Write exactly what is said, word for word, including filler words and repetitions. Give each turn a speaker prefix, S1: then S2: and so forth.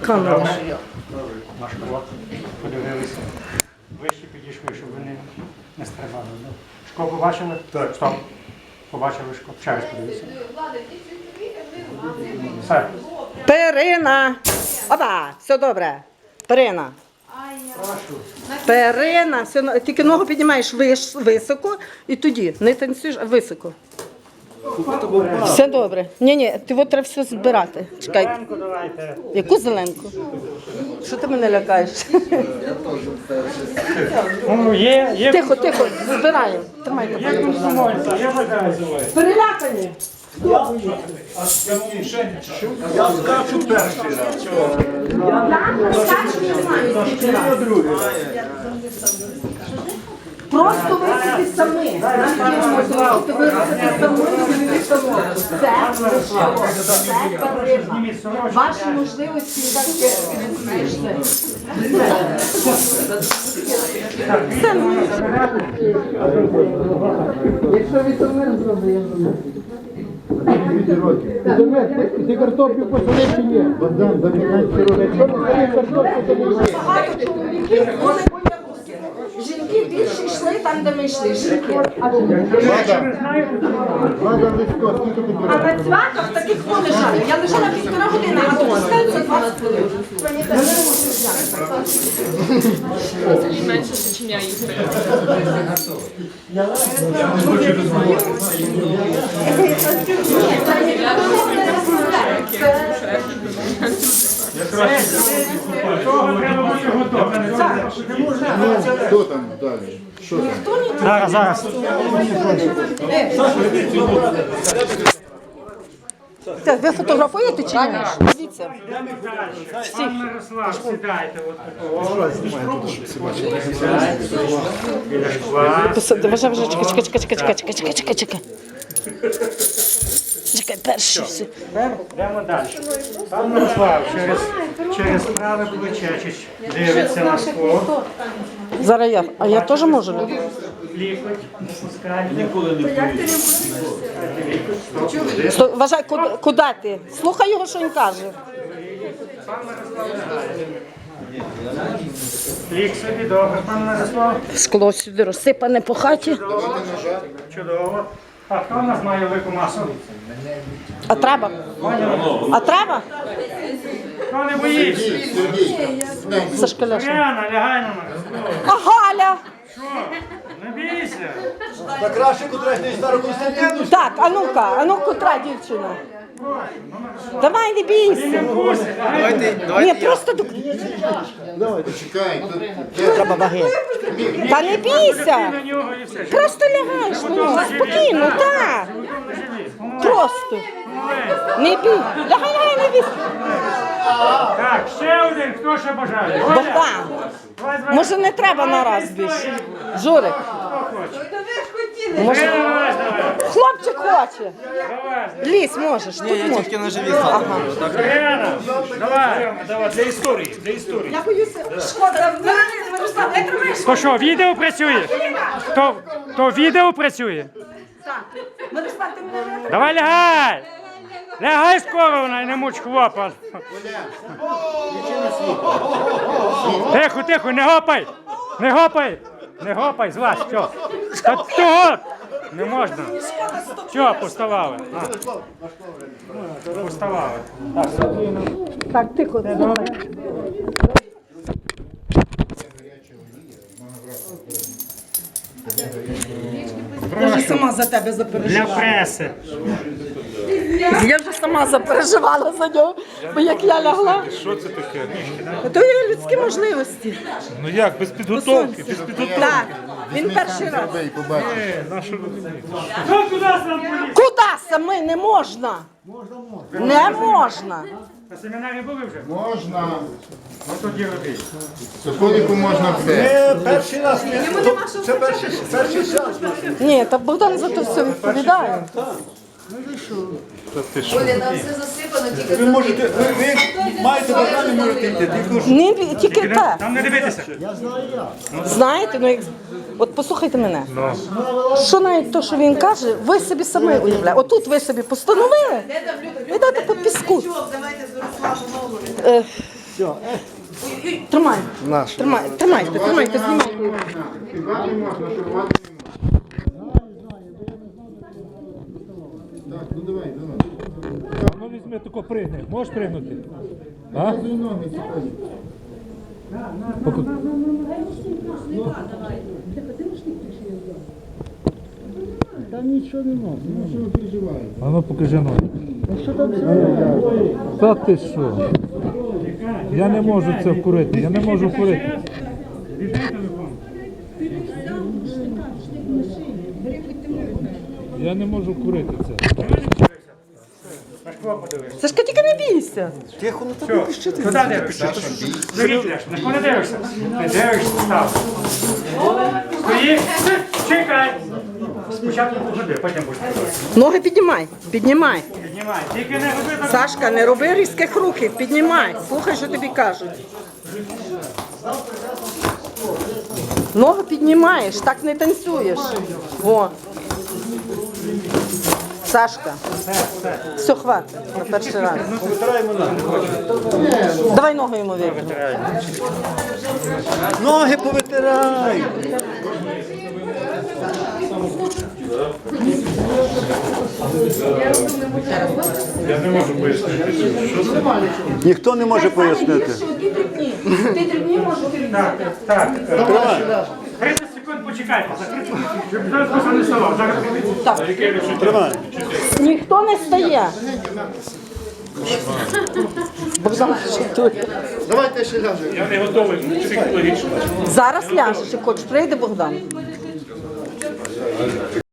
S1: камера.
S2: Наш крок. Подивилися. Вище підійшли, щоб вони не стрибали. Шко побачили? Так. Стоп. Побачили шко. Ще раз подивіться. Все.
S1: Перина. Опа, все добре. Перина.
S2: Прошу.
S1: Перина. Все, тільки ногу піднімаєш виш, високо і тоді не танцюєш, а високо. Все добре. Ні-ні, ти от треба все збирати. Чекай.
S2: Зеленку давайте.
S1: Яку зеленку? Що ти мене лякаєш?
S2: Ну, є, є.
S1: Тихо, тихо, збираємо. Тримайте.
S2: Є комсомольці, є бажаючі.
S1: Перелякані.
S3: Я скачу перший раз.
S1: Просто висити самі. Просто висити самі. Це перерва. Ваші можливості так знайшли. Якщо Вітомир зробив, я зроблю.
S4: Ти картоплю посадив чи ні? Богдан, до п'ятнадцяти років. Якщо не садив картоплю, то не йди.
S1: Багато чоловіків були боягузки. Жінки більше йшли там, де ми йшли. Жінки.
S4: Влада, Влада Лисько, скільки тобі
S1: А
S4: років?
S1: на цвяхах таких хто лежали. Я лежала півтора години, а тут стається двадцять хвилин.
S5: Менше, ніж я їх.
S2: Того треба бути готовим.
S4: Хто там далі? Що там?
S2: Зараз, зараз.
S1: Так, ви фотографуєте чи ні? Дивіться.
S2: Пан Мирослав, сідайте. Біля шкла.
S1: Посади, вже, вже, чекай, чекай, чекай, чекай, чекай, чекай, чекай, чекай. Чекай, перший все.
S2: Йдемо далі. Пан Мирослав через, через праве плече дивиться на скло.
S1: Зараз я. А я теж можу?
S2: Лікоть, не пускай. Ніколи не пустить.
S1: Сто- Вважай, куди, куди ти? Слухай його, що він каже.
S2: Лік собі, добре, пан Мирослав.
S1: Скло сюди розсипане по хаті.
S2: Чудово. А хто в нас має велику масу?
S1: А треба? А треба?
S2: Хто не боїться?
S1: Сашка Ляшна.
S2: Яна, лягай на мене.
S1: А Галя?
S2: Що? Не бійся.
S3: Та краще котрась стару Константину.
S1: Так, а ну-ка, а ну котра дівчина? Давай, не бійся.
S2: Не пусти.
S1: Ні, просто до...
S4: Почекай, тут
S1: Треба ваги. Та не бійся.
S2: На нього і все.
S1: Просто лягаєш, ну, спокійно, так. Просто. Не бій. Лягай, лягай, не бійся.
S2: Так, ще один, хто ще бажає? Оля,
S1: Богдан,
S2: давай, давай.
S1: може не треба на раз більше? Журик,
S2: Хто хоче?
S1: може...
S2: Давай, давай.
S1: Хлопчик хоче.
S2: Давай.
S1: Лізь можеш, тут можеш.
S6: Тільки на живі стати.
S2: Яна, давай.
S3: Давай, для історії, для історії.
S1: Я боюся. Шкода, Мирослав, не тримай.
S2: То що, відео працює? То, то відео працює?
S1: Мирослав, ти мене не...
S2: Давай лягай! Лягай скоро, вона і не муч хлопа. Тихо, тихо, не гопай! Не гопай! Не гопай, з вас, що? Та того! Не можна. Що, поставали? А. Поставали.
S1: Так, тихо, слухай. Я вже сама за тебе
S2: Для
S1: запереживала.
S2: преси.
S1: Я вже сама запереживала за нього, бо як я лягла,
S6: Що це таке?
S1: то є людські можливості.
S6: Ну як, без підготовки, без підготовки.
S1: Так, він перший раз.
S4: тебе і побачиш.
S2: Хто туди сам поліз?
S1: Куди саме не можна? Не можна.
S2: На семінарі були вже?
S4: Можна.
S2: Ну тоді робіть.
S4: Соколіку можна все.
S3: Це перший раз. Це перший, перший час.
S1: Ні, та Богдан за то все відповідає.
S5: Оля, там все засипано, тільки
S3: Ви можете, ви, ви маєте бажання, можете йти. Тільки ж
S1: Не, бі- тільки те.
S2: Там не дивитися.
S1: Знаєте, ну як... От послухайте мене. Що навіть то, що він каже, ви собі самі уявляєте. Отут ви собі постановили, йдете по піску.
S5: давайте з Ярославом
S1: Е, Тримай. Тримай, тримайте, тримайте, знімайте.
S4: Співати можна, шурувати не можна. Так, ну давай, давай.
S6: Ну візьми, тако пригни. Можеш пригнути? А?
S4: Показуй ноги сьогодні. Там нічого не можна, ну що ви переживаєте?
S6: А ну покажи ноги. Та ти що? Я не можу це вкурити, я не можу вкурити. Я не можу вкурити це.
S1: Сашка, тільки не бійся.
S2: Що? Куди дивишся? Дивіться, на кого не дивишся? Не дивишся, став. Стоїть, чекай. Спочатку погоди, потім будеш дивитися.
S1: Ноги піднімай, піднімай.
S2: Піднімай, тільки не роби так.
S1: Сашка, не роби різких рухів, піднімай. Слухай, що тобі кажуть. Ноги піднімаєш, так не танцюєш. О. Сашка. Все, хватить на перший раз. Давай ногу йому витягнемо.
S3: Ноги повитирай. Ніхто не може пояснити.
S1: Ти дрібні можеш
S2: Так, так.
S3: Тримай.
S2: тридцять секунд почекайте, закрити, щоб хтось просто не ставав. Зараз
S3: Тримай.
S1: Ніхто не стає. Богдан шутує.
S4: Давайте ще ляжемо.
S6: Я не готовий психологічно.
S1: Зараз ляжеш, як хочеш. Прийде Богдан.